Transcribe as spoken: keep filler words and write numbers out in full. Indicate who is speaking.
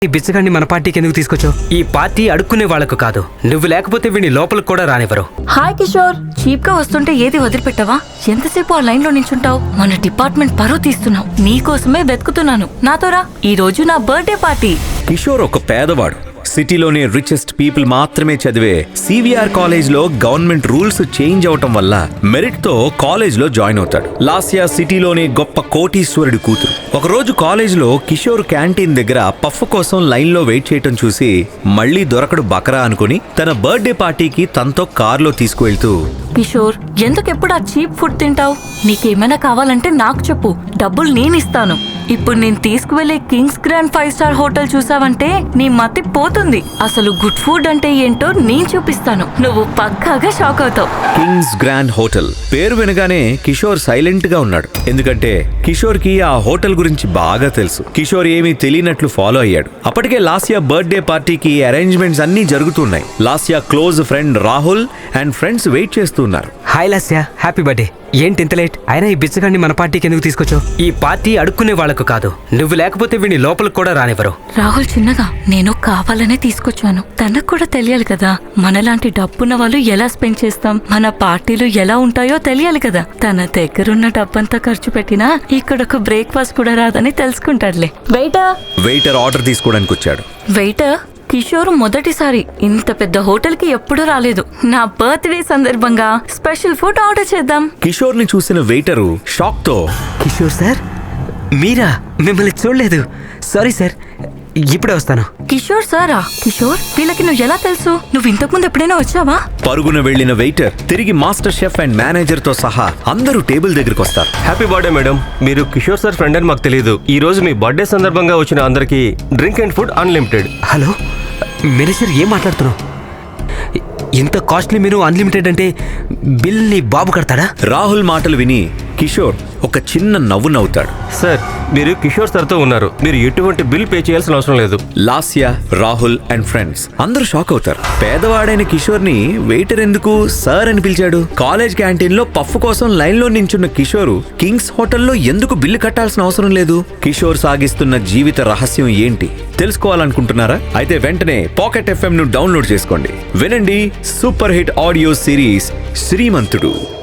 Speaker 1: ఈ బిచ్చగాన్ని మన పార్టీకి ఎందుకు తీసుకొచ్చావు? ఈ పార్టీ అడుక్కునే వాళ్లకు కాదు. నువ్వు లేకపోతే వీడిని లోపలికి కూడా రానివ్వరు.
Speaker 2: హాయ్ కిషోర్, చీప్ గా వస్తుంటే ఏది వదిలిపెట్టావా? ఎంతసేపు ఆ లైన్ లో నించుంటావు? మన డిపార్ట్మెంట్ పరువు తీస్తున్నావు. నీకోసమే వెతుకుతున్నాను. నాతో రా, ఈ రోజు నా బర్త్డే పార్టీ.
Speaker 3: కిషోర్ ఒక పేదవాడు. సిటీలోనే రిచెస్ట్ పీపుల్ మాత్రమే చదివే సివిఆర్ కాలేజ్ లో గవర్నమెంట్ రూల్స్ చేంజ్ అవటం వల్ల మెరిట్ తో కాలేజ్ లో జాయిన్ అవుతాడు. లాస్యా సిటీలోనే గొప్ప కోటీశ్వరుడి కూతురు. ఒకరోజు కాలేజ్ లో కిషోర్ క్యాంటీన్ దగ్గర పఫ్ కోసం లైన్ లో వెయిట్ చేయటం చూసి మళ్లీ దొరకడు బకరా అనుకుని తన బర్త్డే పార్టీకి తనతో కారులో తీసుకువెళ్తూ,
Speaker 2: కిషోర్, ఎందుకెప్పుడు ఆ చీప్ ఫుడ్ తింటావు? నీకేమైనా కావాలంటే నాకు చెప్పు, డబ్బులు నేనిస్తాను. ఇప్పుడు నేను తీసుకువెళ్లే Kings Grand five star hotel చూసావంటే నీ మతి పోతుంది. అసలు గుడ్ ఫుడ్ అంటే ఏంటో నేను చూపిస్తాను. నువ్వు పక్కాగా షాక్ అవుతావు.
Speaker 3: కింగ్స్ గ్రాండ్ హోటల్ పేరు వినగానే కిషోర్ సైలెంట్ గా ఉన్నాడు. ఎందుకంటే కిషోర్ కి ఆ హోటల్ గురించి బాగా తెలుసు. కిషోర్ ఏమీ తెలియనట్లు ఫాలో అయ్యాడు. అప్పటికే లాస్యా బర్త్డే పార్టీకి అరేంజ్మెంట్స్ అన్ని జరుగుతున్నాయి. Lasya close friend Rahul and friends wait చేస్తున్నారు.
Speaker 1: Hi Lasya, happy birthday. ఏంటి ఇంత లేట్? అయినా ఈ బిచ్చగాన్ని మన పార్టీకి ఎందుకు తీసుకొచ్చావు? ఈ పార్టీ అడుక్కునే వాళ్లకు కాదు. నువ్వు లేకపోతే వీడిని లోపలికి కూడా రానివ్వరు.
Speaker 2: రాహుల్ చిన్నగా, నేను కావాలనే తీసుకొచ్చాను. తనకు కూడా తెలియాలి కదా, మనలాంటి డబ్బున్న వాళ్ళు ఎలా స్పెండ్ చేస్తాం, మన పార్టీలు ఎలా ఉంటాయో తెలియాలి కదా. తన దగ్గరున్న డబ్బంతా ఖర్చు పెట్టినా ఇక్కడ ఒక బ్రేక్ఫాస్ట్ కూడా రాదని తెలుసుకుంటాడులే. వెయిటర్
Speaker 3: వెయిటర్ ఆర్డర్ తీసుకోవడానికి వచ్చాడు.
Speaker 2: వెయిటర్, కిషోర్ మొదటిసారి ఇంత పెద్ద హోటల్ కి ఎప్పుడూ రాలేదు. నా బర్త్డే సందర్భంగా స్పెషల్ ఫుడ్ ఆర్డర్ చేద్దాం.
Speaker 3: కిషోర్ ని చూసిన వెయిటరు షాక్ తో,
Speaker 1: కిషోర్ సార్, మీరా? మిమ్మల్ని చూడలేదు. సారీ సార్, ఇప్పుడే వస్తాను.
Speaker 2: కిషోర్ సారా? కిషోర్, వీళ్ళకి నువ్వు ఎలా తెలుసు? నువ్వు ఇంతకు ముందు ఎప్పుడైనా వచ్చావా?
Speaker 3: పరుగున వెళ్లిన వెయిటర్ తిరిగి మాస్టర్ షెఫ్ అండ్ మేనేజర్ తో సహా అందరూ టేబుల్ దగ్గరికి వస్తారు.
Speaker 4: Happy birthday madam. మీరు కిషోర్ సార్ ఫ్రెండ్ అని మాకు తెలియదు. ఈ రోజు మీ బర్త్డే సందర్భంగా వచ్చిన అందరికి drink and food unlimited.
Speaker 1: Hello manager, ఏం మాట్లాడుతున్నావు? ఇంత కాస్ట్లీ మీరు అన్లిమిటెడ్ అంటే బిల్ నీ బాబు కడతాడా?
Speaker 3: రాహుల్ మాటలు విని కిషోర్ ఒక చిన్న నవ్వు నవ్వుతాడు.
Speaker 4: సార్, మీరు కిషోర్ సార్తో ఉన్నారు. మీరు ఎటువంటి బిల్ పే చేయాల్సిన అవసరం లేదు.
Speaker 3: లాస్యా, రాహుల్ అండ్ ఫ్రెండ్స్ అందరూ షాక్ అవుతారు. పేదవాడైన కిషోర్ ని వెయిటర్ ఎందుకు సార్ అని పిలిచాడు? కాలేజ్ క్యాంటీన్ లో పఫ్ కోసం లైన్ లో నించున్న కిషోర్ కింగ్స్ హోటల్లో ఎందుకు బిల్లు కట్టాల్సిన అవసరం లేదు? కిషోర్ సాగిస్తున్న జీవిత రహస్యం ఏంటి తెలుసుకోవాలనుకుంటున్నారా? అయితే వెంటనే పాకెట్ ఎఫ్ఎం ను డౌన్లోడ్ చేసుకోండి. వినండి సూపర్ హిట్ ఆడియో సిరీస్ శ్రీమంతుడు.